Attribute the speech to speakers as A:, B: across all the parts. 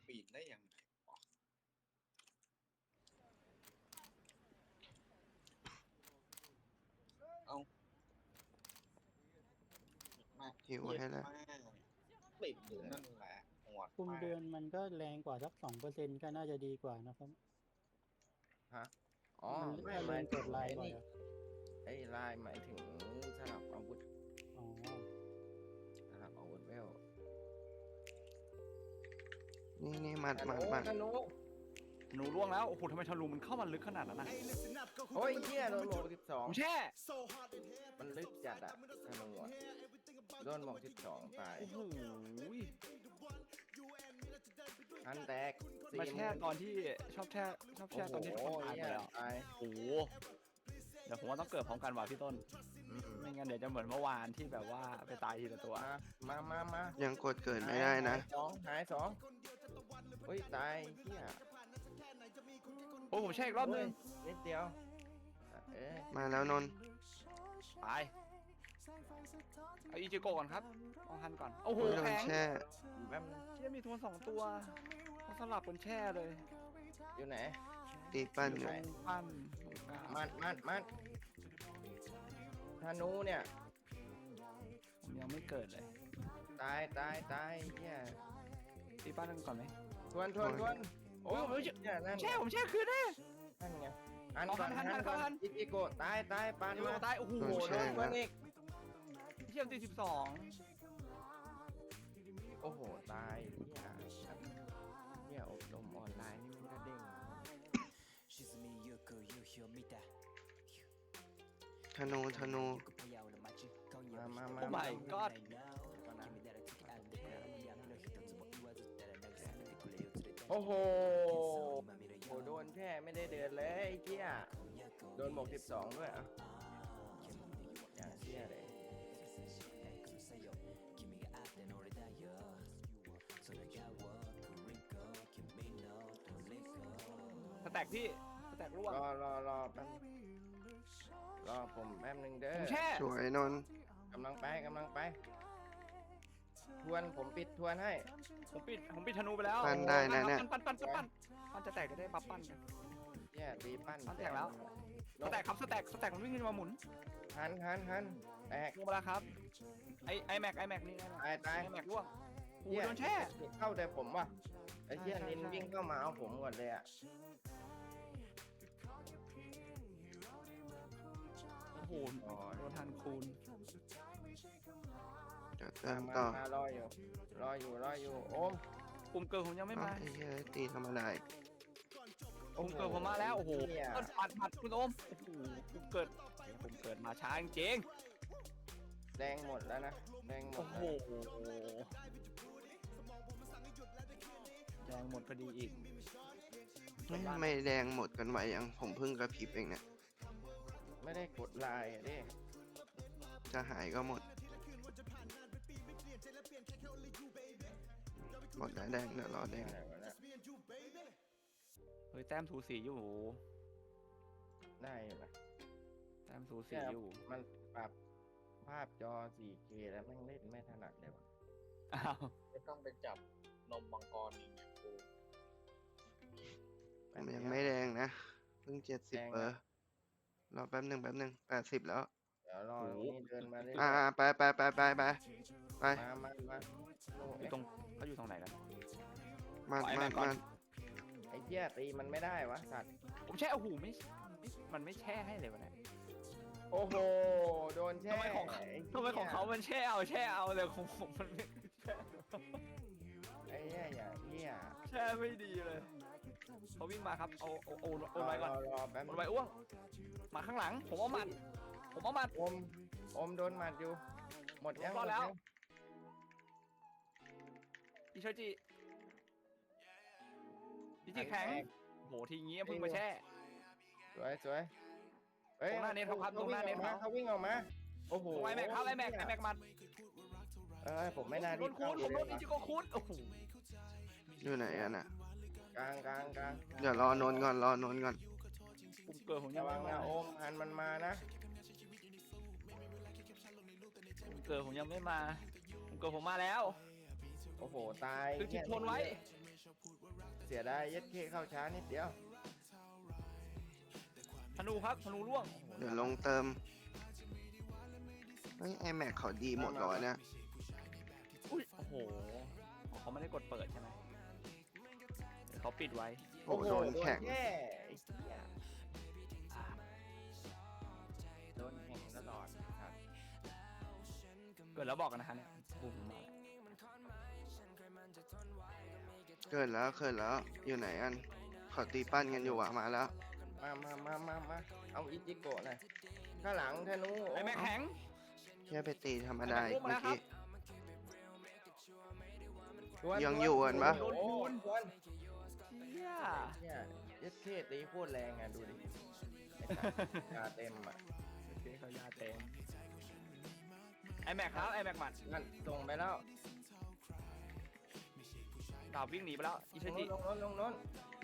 A: ปีนได้ยังไงวะเอามาก
B: หิว
A: เย็ด
B: ให้แล้ว
A: มากติดอยู่นั่นแหละหวด
C: คุม
A: มาก
C: เดือนมันก็แรงกว่าสัก2%ก็น่าจะดีกว่านะครับ
D: ฮะอ๋อ
C: มัน
D: ไม่
C: ถ้า
D: ห
C: เล่
D: มาย
C: น
D: ถึ
C: ก
D: ง
C: ดลาย
D: ไอ้
C: บ่อย
D: นี่
C: อะ
D: ไอ้ลายหมายถึงสลับอาวุธ
C: อ๋อ
D: สลับอาวุธเวล
B: นี่มัด
D: ธ
B: มัด
D: นู
B: มัด
D: ธนู
E: หนูล่วงแล้วโอ้โหทำไมทะลุมันเข้ามาลึกขนาดนั้นนะ
D: โอ้ยเหี้ยโดนหมวก
E: ผม
D: 12
E: แช่
D: มันลึกจัดอะธนูอะโดนหมวก12ตาย
E: โอ้โห
D: อันแตก
E: มาแช่ตอนที่ชอบแช่ตอนที่ทุกคนตายไปแล้ว
D: ตาย
E: โอ้โหเดี๋ยวผมว่าต้องเกิดพร้อมกันว่ะพี่ต้น
D: อืม
E: ไม่งั้นเดี๋ยวจะเหมือนเมื่อวานที่แบบว่าไปตายทีละตัว
D: มา
B: ยังกดเกิดไม่ได้นะ
D: หายสองเฮ้ยตายเหี้ย
E: โอ้ผมแช่อีกรอบนึง
D: นิดเดียวเอ้ย
B: มาแล้วนนท์
E: ตายเอาอีจิโกะก่อนครับเอาฮันก่อนโอ้โห
B: โอ้ยโดน
E: แข็ง
B: แช่
D: แป๊บ
E: เชี่ยมีตัว2 ตัวเขาสลับกันแช่เลย
D: อยู่ไหน
B: ตีปั้นอยู่
D: ไหน
E: ปั้น
D: มันธนูเนี่ย
E: ผมยังไม่เกิดเลย
D: ตายเหี้ย
E: ตีปั้นกันก่อนไหม
D: ทวนโอ้ยเนี่ยนั่น
E: ผมแช่คืนแน่
D: นั่นไงอัน
E: เอา
D: ก่อน
E: หัน
D: อิโกะตายปาน
E: โอ้
D: มา
E: ตายโอ้โห
B: โดนแช่
D: ทวนอีก
E: เชี่ยมตี12
D: โอ้โหตายเนี่ยอบรมออนไลน์นี่มันก็เด้ง
B: ธนู
D: มา
E: โอ้ my god
D: โอ้โหโดนแช่ไม่ได้เดินเลยไอ้เหี้ยโดนหมวก12ด้วยอ่ะอย่างเหี้ยเลย
E: สแต็กพี่สแต็กร่วง
D: รอแป๊บรอผมแป๊บนึงเด้
E: ผม
D: อ
E: แช่
B: สวยนนท์
D: กำลังไปทวนผมปิดทวนให้
E: ผมปิดธนูไปแล้ว
B: ปั้นได้นะเนี่ย
E: ปั้นมันจะแตกจะได้บัฟปั้นกัน
D: เนี่ยตีปั้น
E: ปั้นแตกแล้ว สแต็กครับสแต็กมันวิ่งขึ้นมาหมุน
D: หันแตก
E: ลงมาแล้วครับไอแม็กนี่ไง
D: ตาย
E: ไอแม็กร่วงโอ้โห
D: เหี้ย
E: โดนแช่
D: เข้าแต่ผมว่ะไอ้เหี้ย
E: ใช่
D: นิน
E: ใช่
D: วิ่งเข้ามาเอาผมก่อนเลยอ่ะ
E: โอ้โหโดนทันคูณ
B: เดี๋ยวเติมต่อ
D: มารออยู่โอม
E: ปุ่มเกิดผมยังไม่
B: เอ้า
E: มา
B: ไอ้เหี้ยตีธรรมดาอีก
E: ปุ่มเกิดผมมาแล้วโอ้โห
D: เนี่ย
E: ต้นผัดคุณโอมโอ้โหปุ่มเกิดมาช้าจริง
D: แดงหมดแล้วนะแดงหม
E: โอ้
D: ด
E: โหแดงหมดพอดีอีก
B: ไม่แดงหมดกันไวยังผมเพิ่งกระพริบเองเนี่ย
D: ไม่ได้กดไลน์อ่ะดิ
B: จะหายก็หมดหมดแล้วแดงเดี๋ยวรอแดง
D: อะไรวะเนี่ย
E: เฮ้ยแต้มสูสีอยู่
D: ได้อยู่นะ
E: แต้มสูสีอยู่
D: มันปรับภาพจอ 4K แล้วแม่งเล่นไม่ถนัดเลยว่ะ
E: อ้าว
A: ไม่ต้องไปจับนมมังกรอีกเนี่ยกู
B: ผมยังไม่แดงนะเพิ่ง70รอแป๊บหนึ่ง80แล้ว
D: เดี๋ยวรอตรงนี้เดินมาเรื่อย
B: ไป
D: มา
E: อยู่ตรงเขาอยู่ตรงไหนกัน
B: มา
E: ไอ้แม็กก่อน
D: ไอ้เหี้ยตีมันไม่ได้วะสัตว์
E: ผมแช่โอ้โหมันไม่แช่ให้เลยวะเนี่ย
D: โอ้โหโดนแช่
E: ทำไมของเขามันแช่เอาเลยของผมมันไม่แช่
D: ไอ้เหี้ยอย่างเหี้ย
E: แช่ไม่ดีเลยเขาวิ่งมาครับเอาไว้ก่อน
D: รอแป๊บ
E: เอาไว้อ้วงมาข้างหลังผมเอาหมัด
D: อมโดนหมัดอยู่หมดยัง
E: รอดแล้ว อิโชจิแข็งโหทีงี้เพิ่งมาแช่
D: สวยเฮ้ย
E: ตรงหน้าเน็ตครับตรงหน้าเน็ตครับ
D: เขาวิ่งออกมาโอ้โห
E: ไอแม็กครับไอแม็กมัด
D: ผมไม่น่า
E: โดนคูณผมโดนอิจิโกะคูณโอ้โห
B: อยู่ไหนอ่ะน่ะ
D: กลาง
B: เดี๋ยวรอนนท์ก่อน
E: ปุ่มเกิดผมยั
D: ระ
E: ง
D: วั
E: ไม่
D: ง
E: มา
D: นะโอมหันมันมานะ
E: ปุ่มเกิดผมยังไม่มาปุ่มเกิดผมมาแล้ว
D: โอ้โหตาย
E: คือจิตทนไว้
D: เสียดายยัดเคเข้าช้านิดเดียว
E: ธนูครับธนูร่วงโอ้โห
B: เดี๋ยวลงเติมเฮ้ยไอแม็กเขาดีหมดเลยเนี่ย
E: อุ้ยโอ้โหเขาไม่ได้กดเปิดใช่ไหมเดี๋ยวเขาปิดไว้
B: โอ้โหโดนแข็ง
D: แย่ไอ้เหี้ยโดนแข่งตลอดครับ
E: เกิดแล้วบอกกันนะฮะเนี่ยปุ่มมาแล้ว
B: เกิดแล้วอยู่ไหนกันเขาตีปั้นกันอยู่อะมาแล้ว
D: มาเอาอิจิโกะหน่อยข้างหลังธนู
E: ไอ้แม่แข็ง
B: แค่ไปตีธรรมดาอีก
E: มา
B: เมื่
E: แล้
B: อ
E: วครับ
B: กี้
D: ทวน
B: ยังอยู่กันปะ
D: โอ้โหทวน
E: เฮีย
D: เนี่ยยัดเคตีโคตรแรงอ่ะดูดิไอ้สัตว์ยาเต็มอ่ะ
E: โอเคเขายาเต็มไอแม็กครับไอแม็กหมัด
D: นั่นส่งไปแล้ว
E: ดาบวิ่งหนีไปแล้วอิ
D: ล
E: ชิ
D: ง
E: จิ
D: โน้น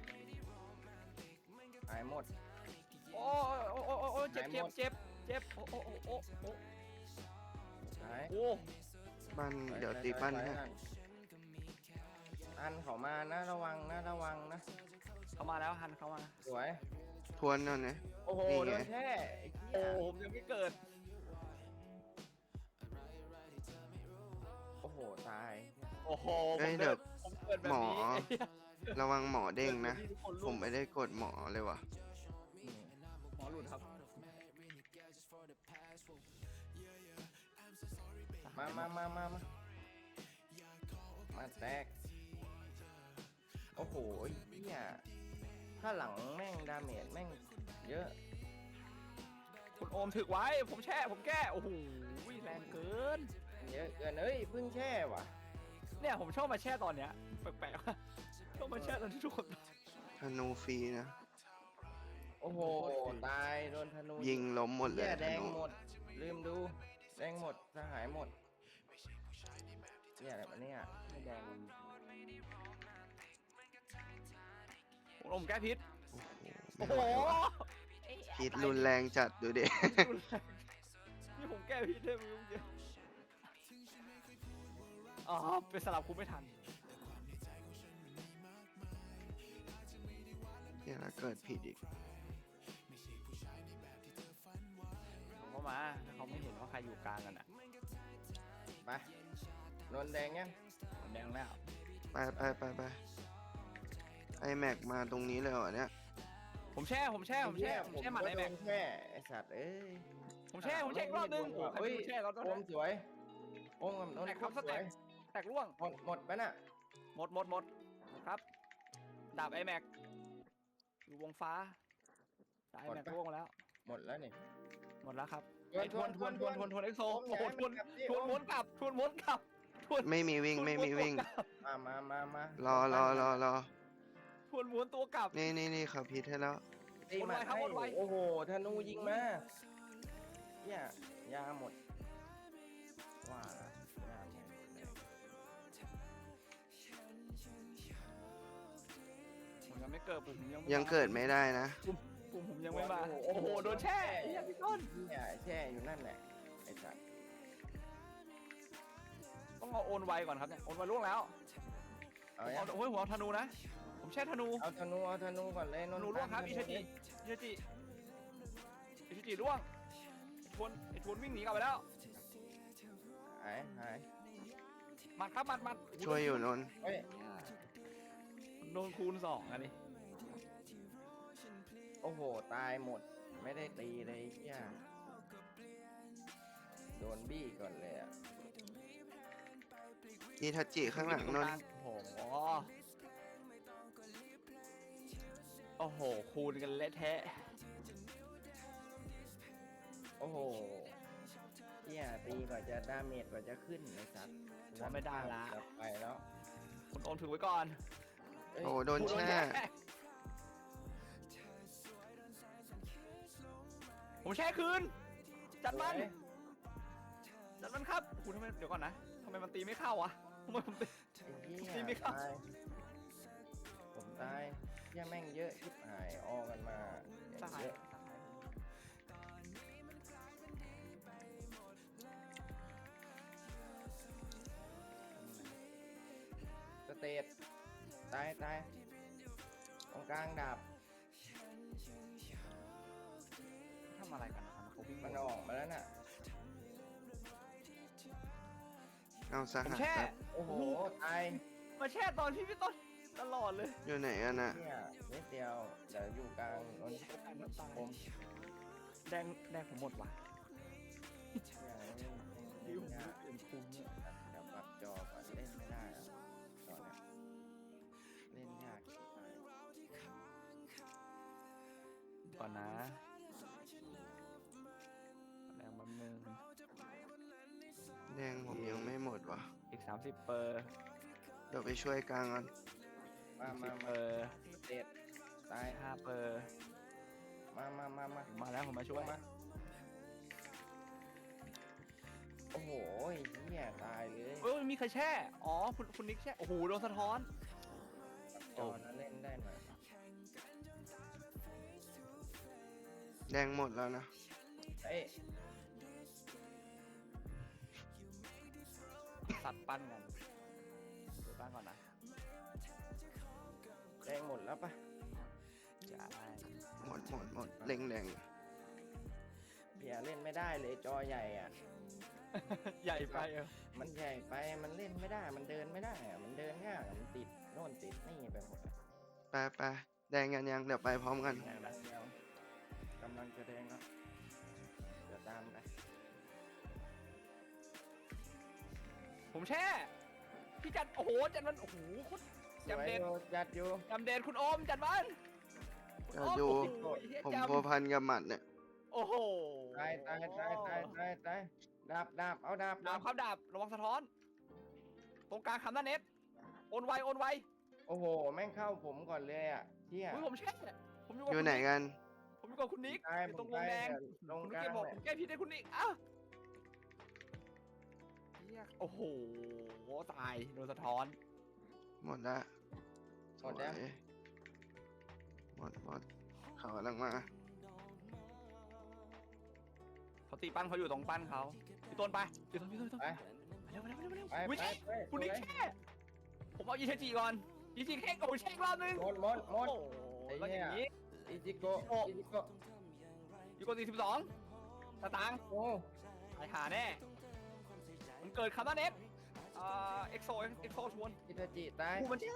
D: หายหมด
E: โอ้โอ้เจ็บโอ้
D: หาย
E: โอ้
B: ปั้นเดี๋ยวตีปั้นให้
D: อันเขามานะระวังนะ
E: เขามาแล้วฮันเขามา
D: สวย
B: ทวนนั่นนะ
D: โอ้โห
B: นี่
D: โด
B: ไง
D: นแช่ไอ้เหี้
E: โอ้
D: ย
E: ผมยังไม่เกิด
D: โอ้โหตาย
E: โอ้โห
B: เฮ้ยเดี๋ยว
E: ผมเกิดแบบ
B: หมอ
E: นี้
B: ระวังหมอเด้งนะ
E: ทุกคน
B: ผ
E: ลุก
B: มไม่ได้กดหมอเลยว่ะ
E: หมอหลุดครับ
D: มาแตกโอ้โหเหี้ยถ้าหลังแม่งดาเมจแม่งเยอะ
E: คุณโอมถึกไว้ผมแช่ผมแก้โอ้โหแรงเกิน
D: เยอะเกินเอ้ยเพิ่งแช่ว่ะ
E: เนี่ยผมชอบมาแช่ตอนเนี้ยแปลกๆว่าชอบมาแช่ตอนที่ทุกคน
B: ธนูฟรีนะ
D: โอ้โหตายโดนธนู
B: ยิงล้มหมดเลย
D: เหี้ยแด
B: ธ
D: ง
B: นู
D: หมดลืมดูแดงหมดสหายหมดเนี่ยอะไรวะเนี่ย
E: ไม่แดงคุณโอมแก้พิษ
B: โอ้
E: โอ้
B: โห
E: โห
B: พิษรุนแรงจัดดูดิ
E: นี่ผมแก้พิษได้ไหมเมื่อกี้อ๋อไปสลับคุณไม่ทัน
B: เนี่ยแล้วเกิดผิดอีก
E: ผมก็มาถ้าเขาไม่เห็นว่าใครอยู่กลางกันอ่ะ
D: ไปโดนแดงยัง
E: ผมแดงแล้ว
B: ไปไอแม็กมาตรงนี้เลยเหรอเนี่ย
E: ผมแช่หมัดไอ้แม็ก
D: แช่ไอสัตว์เอ้ย
E: ผมแช่อีกรอบนึงโอ้ใครไม่รู้แช่รอบ
D: โอมสวยโอมกับนน
E: แตก
D: ท์
E: ครับส
D: ส
E: แต็
D: วย
E: กแตกร่วง
D: หมดไปน่ะ
E: หมดครับดาบไอแม็กอยู่วงฟ้าดาบไอแม็กร่วงแล้ว
D: หมดแล้วนี่
E: หมดแล้วครับ
D: ทวน
E: ทวนเอ็กโซ
D: โอม
E: โอ้โห
D: ย้ายมันกลับดิ
E: ทวนม้วนกลับทวน
B: ไม่มีวิ่ง
D: มาร
B: อ
E: ทวนม้วนตัวกลับ
B: นี่เขาพิษให้แล้ว
D: ตีมา
E: วนไวครับ
D: ให้
E: วนไว
D: โอ้โหธนูยิงมาเนี่ยยาหมดว่าละยาหมดเลย
E: ผมยังไม่เกิดผม
B: ยังเกิดไม่ได้นะ
E: ผมยังไม่มาโอ้โหโดนแช่ไอ้เหี้ยพี่ต้น
D: เนี่ยแช่อยู่นั่นแหละไอ้สัตว์
E: ต้องเอาโอนไวก่อนครับเนี่ยโอนไวล่วงแล้ว
D: เอา
E: ผม
D: ยัง
E: เอาหัวธนูนะผมแช่ธนู
D: เอาธนูก่อนเลย
E: ธนูร่วงครับอิชิจิร่วงไอ้ทวนวิ่งหนีกลับไปแล้ว
D: หาย
E: มัดครับมัด
B: ช่วยอยู่นนท์
D: เฮ้ย
E: โดนคูณ2อันนี้
D: โอ้โหตายหมดไม่ได้ตีเลยเหี้ยโดนบี้ก่อนเลยอ่ะ
B: อีทัจจิข้างหลังนนท์
E: โอ้โหคูณกันเละแทะ
D: โอ้โหเหี้ยตีกว่าจะดาเมจกว่าจะขึ้นไอ้สัตว์
E: ว่าไม่ได้ละ
D: กลับไปแล้ว
E: คุณโอมถือไว้ก่อน
D: เอ้ย
B: โอ้โดนแช่
E: ผมแช่คืนจัดมัน
D: สวย
E: ครับคุณทำไมเดี๋ยวก่อนนะทำไมมันตีไม่เข้าวะทำไมผมตี
D: ไอ้เหี้
E: ตี
D: ย
E: ไม่เข้า
D: ตายผมตายเหี้ยแม่งเยอะชิบหายออกกันมา
E: สหาย
D: เยอะสเตตตายตายตรงกลางดาบ
E: ทำอะไรกันนะครับเขาวิ่ง
D: มันออกมาแล้วน่ะ
B: เอาส
E: ผม
B: หัส
E: แช่
B: ครับ
D: โอ้โหตาย
E: มาแช่ตอนพี่ต้นตลอดเลย
B: อยู่ไหนกันน่ะ
D: เนี่ยนิดเดียวเดี๋ยวอยู่กลางนนผม
E: แดงผมหมดว่ะ
D: ดิวเปลี่ยนคุมเนี่ยเดี๋ยวปรับจอก่อนเล่นไม่ได้อะตอนเนี้ยเล่นยากชิบหาย
E: ก่อนนะแดงมันนึง
B: แดงผมยังไม่หมดว่ะ
E: อีก30 เปอร์
B: เดี๋ยวไปช่วยกลางก่อน
D: มา
E: เปอร์
D: เด็ดตาย
E: 5 เปอร์
D: มา
E: ผมมาแล้วผมมาช่วย
D: มาโอ้โหเนี่ยตายเลย
E: เอ้ยมีใครแช่ อ๋อคุณนิกแช่ โอ้โหโดนสะท้อน
D: จอนั้นเล่นได้หน่อย
B: แดงหมดแล้วนะ
D: เอ้ย
E: สัตว์ปั้นกันดูปั้นก่อนนะ
D: แดงหมดแล้วปะ
E: จะได้
B: หมดเล็งแดง
D: เหี้ยเล่นไม่ได้เลยจอใหญ่อ่ะ
E: ใหญ่ไปเออ
D: มันใหญ่ไปมันเล่นไม่ได้มันเดินไม่ได้อะมันเดินยากอะมันติดโน่นติดนี่ไปหมดอะ
B: ไปแดงกันยังเดี๋ยวไปพร้อมกัน
D: แดงแล้วกำลังจะแดงแล้วเดี๋ยวตามไป
E: ผมแช่ พี่จัด โอ้โห จัดมัน โอ้โหคุณ
D: สวย
E: จำเด็ด
D: อยู่จัดอยู่
E: จำเด็ดคุณโอม จัดมันคุณ
B: เดี๋ยว
E: โอม
B: ดู
E: โอ้โหเหี้ย
B: ผม
E: จำ
B: พัวพันกับหมัดเนี่ย
E: โอ้โห
D: ตายดาบเอาดาบ
E: ดาบครับดาบ ระวังสะท้อน ตรงกลางคำนั้นเน็ตโอนไว
D: โอ้โหแม่งเข้าผมก่อนเลยอ่ะเที่ย
E: อุ้ยผมแช่ ผมอยู่กับ
B: อยู่ไหนกัน
E: ผมอยู่กับคุณนิก
D: ตาย
E: อยู่
D: ผ
E: ตร
D: ม
E: งวง
D: ตาย
E: แดง
D: ลง
E: คุณ
D: ก
E: นิก
D: ลาง
E: แกบอก
D: เลย
E: ผมแก้ผิดให้คุณนิกอ้าวเหี้ยโอ้โห ตาย โดนสะท้อน
B: หมดละ
D: หมดแล้ว
B: สวยหมดเขากำลังมา
E: เขาตีปั้นเขาอยู่ตรงปั้นเขาพี่ต้นไปพี่ต้น
D: ไป
E: เร็ว
D: ไป
E: วิ
D: ไป
E: เช่
D: ไป
E: คุณนิกแช่ผมเอาอีเชจิก่อนอีจิเค้กโอ้ยเช็ครอบนึง
D: หมด
E: โอ้
D: ไอ้
E: แล้วอ
D: เหี้ย
E: ย่างนี้
D: อิจิโกะ
E: อยู่กด42สตางค์
D: โอ้
E: ไอหาแน่มันเกิดคำว่าเน็ตเอ็กโซชวน
D: อิตาจิตาย
E: กูมันแช่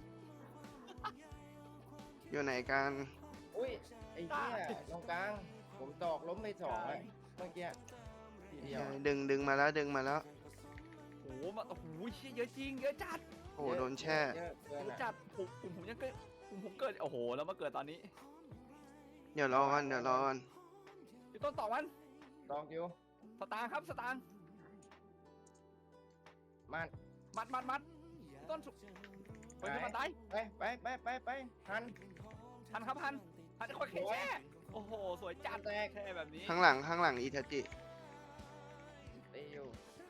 B: อยู่ไหนกัน
D: อุ้ยไอ้เหี้ยตรงกลางผมตอกล้มไปสองเลยเมื่อกี้ทีเดียว
B: ดึงมาแล้วดึงมาแล้ว
E: โอ้โหมาโอ้โหเชี่ยเยอะจริงเยอะจัด
B: โอ้โหโดนแช่
D: เยอะเกิน
E: เยอะ
D: อะ
E: จัดผมยังเกิดผมเกิดโอ้โหแล้วมาเกิดตอนนี้
B: เดี๋ยวรอก่อน
E: พี่ต้นต่อมัน
D: ตอกอยู่
E: สตางค์ครับสตางค์
D: มัน
E: มัดพี่ต้นสุกเฮ้ยมันตาย
D: ไปหัน
E: ทันครับทันคอยแค่แช่โอ้โหสวยจัด
D: แตก
E: แค่แบบนี้
B: ข้างหลังอิทาจิ
D: ตีอยู่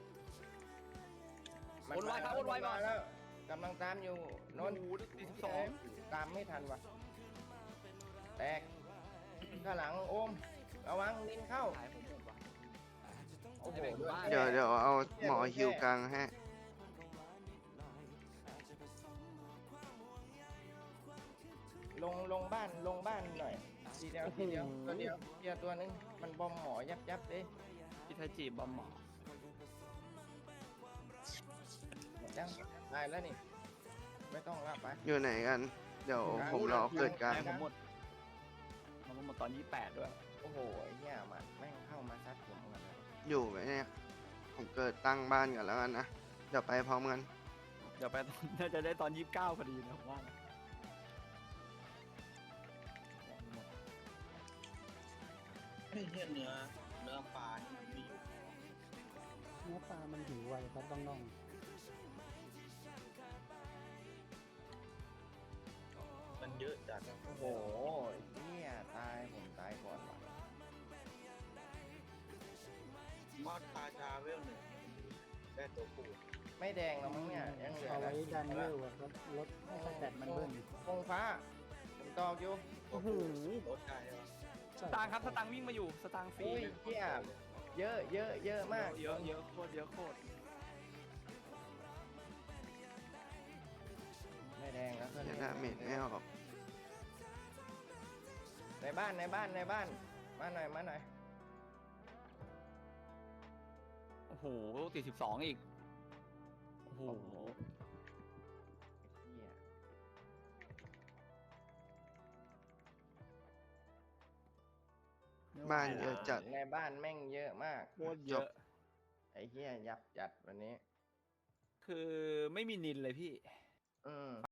E: โอนไวครับโอนไวก่อน
D: มาแล้วกำลังตามอยู่น
E: โอ้
D: น
E: โห42
D: ตามไม่ทันว่ะแตกข้างหลังโอมระวังลินเข้า
E: ตายผมหมดว่ะ
D: โอ้โห
B: เดี๋ยวเอาหมอฮิวกลางให้
D: ลงบ้านหน่อยทีเดียวตัวเดียวตัวนึงมันบอมหมอยับเลย
E: อิทาจิบอมหมอ
D: หมดยังได้แล้วนี่ไม่ต้องละไป
B: อยู่ไหนกัน เดี๋ยวผมรอเกิดกลาง
E: แม่ผมหมดมันหมดตอน28ด้วย
D: โอ้โหไอ้เหี้ยมันแม่งเข้ามาซัดผมกันเลย
B: อยู่ไหมเนี่ย ผมเกิดตั้งบ้านก่อนแล้วกันนะ เดี๋ยวไปพร้อมกัน
E: เดี๋ยวไปตอน น่าจะได้ตอน29พอดีนะผมว่านะ
A: เฮ้ยเหี้ยเนื้อปลานี่มันมีอยู่
C: เนื้อปลามันหิวไวครับน้อง
A: มันเยอะจัด
D: โอ้โหไอ้เหี้ยผมตายก่อนว่ะ
A: มอดปลาชาเวลหนึ่งได้ตัวปู
D: ไม่แดงแล้วมั้งเนี่ยยังเหลื
C: ๆ
D: อ
C: เอา
D: นะ
C: ไว้ดันเวลอะครับลดให้สแตทมันเบิ้ล
D: คงฟ้าผมตอกอยู่
C: โอ้โห
A: รถได้ใช่ปะ
E: สตางค์ครับสตางค์วิ่งมาอยู่สตางค์ฟรี
D: อุ้ยเหี้ยเยอะมาก
E: เยอะโคตรเยอะโคตร
D: ไม่แดงแล้ว
B: เมดไม่ออก
D: ในบ้านมาหน่อยมาหน่อย
E: โอ้โหติด12อีกโอ้โห
D: เหี้ย
B: บ้านเยอะจัด
D: ในบ้านแม่งเยอะมาก
E: โคตรเยอะ
D: ไอ้เหี้ยยับจัดวันนี้
E: คือไม่มีนินเลยพี่
D: อืม